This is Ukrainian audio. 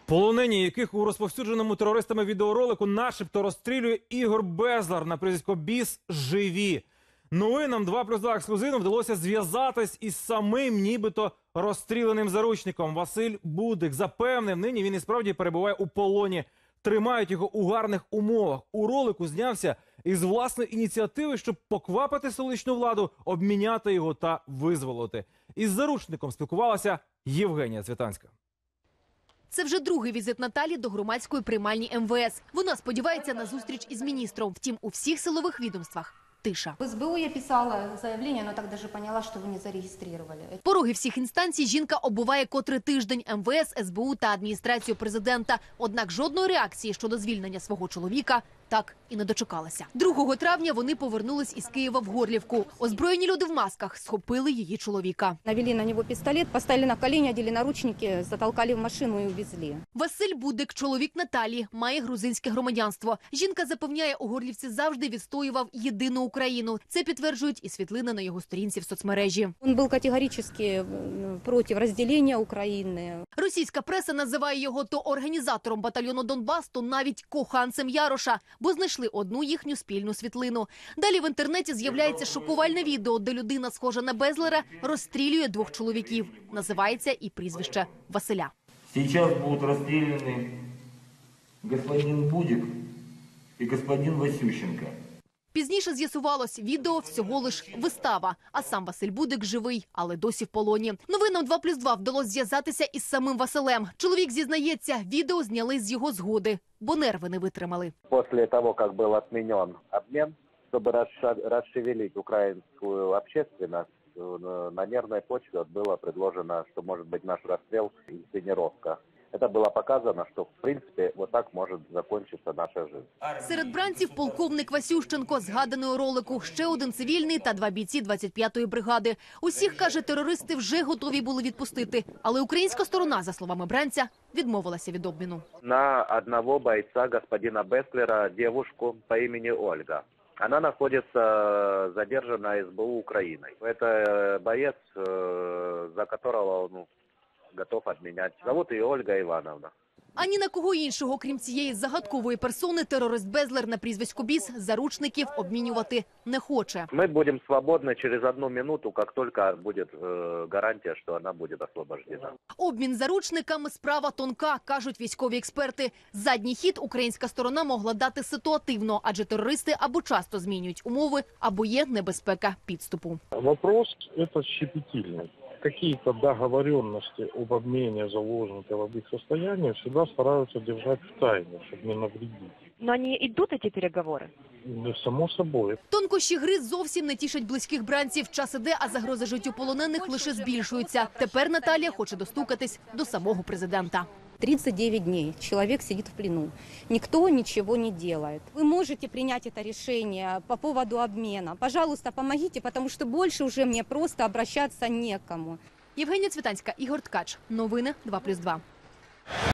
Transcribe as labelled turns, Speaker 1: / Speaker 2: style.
Speaker 1: Полонені, яких у розповсюдженому терористами відеоролику начебто розстрілює Ігор Безлер на прізвисько Біс, живі. Новинам 2+2 ексклюзивно вдалося зв'язатись із самим нібито розстріляним заручником. Василь Будик запевнив, нині він і справді перебуває у полоні. Тримають його у гарних умовах. У ролику знявся із власної ініціативи, щоб поквапити столичну владу, обміняти його та визволити. Із заручником спілкувалася Євгенія Цвітанська.
Speaker 2: Це вже другий візит Наталі до громадської приймальні МВС. Вона сподівається на зустріч із міністром. Втім, у всіх силових відомствах тиша.
Speaker 3: В СБУ я писала заявление, но так даже поняла, что вы не зарегистрировали.
Speaker 2: Пороги всіх інстанцій жінка оббиває котрий тиждень МВС, СБУ та адміністрацію президента. Однак жодної реакції щодо звільнення свого чоловіка так і не дочекалася. 2 травня вони повернулись із Києва в Горлівку. Озброєні люди в масках схопили її чоловіка.
Speaker 3: Навели на него пистолет, поставили на колени, одели наручники, затолкали в машину и увезли.
Speaker 2: Василь Будик, чоловік Наталі, має грузинське громадянство. Жінка запевняє, у Горлівці завжди відстоював єдину Україну. Це підтверджують і світлини на його сторінці в соцмережі.
Speaker 3: Он был категорически против разделения Украины.
Speaker 2: Російська преса називає його то організатором батальйону Донбас, то навіть коханцем Яроша, бо знайшли одну їхню спільну світлину. Далі в інтернеті з'являється шокувальне відео, де людина, схожа на Безлера, розстрілює 2 чоловіків. Називається і прізвище Василя.
Speaker 4: Сейчас будут расстреляны господин Будик и господин Васющенко.
Speaker 2: Пізніше з'ясувалось, відео всього лиш вистава, а сам Василь Будик живий, але досі в полоні. Новинам 2+2 вдалося зв'язатися із самим Василем. Чоловік зізнається, відео зняли з його згоди, бо нерви не витримали.
Speaker 5: После того, как был отменен обмен, чтобы расшевелить украинскую общественность, на нервной почве было предложено, что может быть наш расстрел – инсценировка. Это было показано, что в принципе вот так может закончиться наша жизнь.
Speaker 2: Серед бранців полковник Васющенко, згаданий у ролику, ще один цивільний та 2 бійці 25-ї бригади. Усіх, каже, терористи вже готові були відпустити, але українська сторона, за словами бранця, відмовилася від обміну.
Speaker 5: На одного бойца, господина Беслера, девушку по имени Ольга. Она находится задержана СБУ Украиной. Это боец, за которого он готов обменять. Зовут ее Ольга Ивановна.
Speaker 2: А ні на кого іншого, крім цієї загадкової персони, терорист Безлер на прізвисько Біс заручників обмінювати не хоче.
Speaker 5: Мы будем свободны через 1 минуту, как только будет гарантия, что она будет освобождена.
Speaker 2: Обмін заручниками – справа тонка, кажуть військові експерти. Задній хід українська сторона могла дати ситуативно, адже терористи або часто змінюють умови, або є небезпека підступу.
Speaker 6: Вопрос это щепетильный. Какие-то договоренности об обмене заложников, об их состоянии всегда стараются держать в тайне, чтобы не навредить.
Speaker 7: Но они идут, эти переговоры?
Speaker 6: Ну, само собой.
Speaker 2: Тонкощі гри зовсім не тішать близьких бранців. Час іде, а загрози життю полонених лише збільшуються. Тепер Наталія хоче достукатись до самого президента.
Speaker 3: 39 дней человек сидит в плену. Никто ничего не делает. Вы можете принять это решение по поводу обмена. Пожалуйста, помогите, потому что больше уже мне просто обращаться некому.
Speaker 2: Євгенія Цвітанська, Ігор Ткач. Новини 2+2.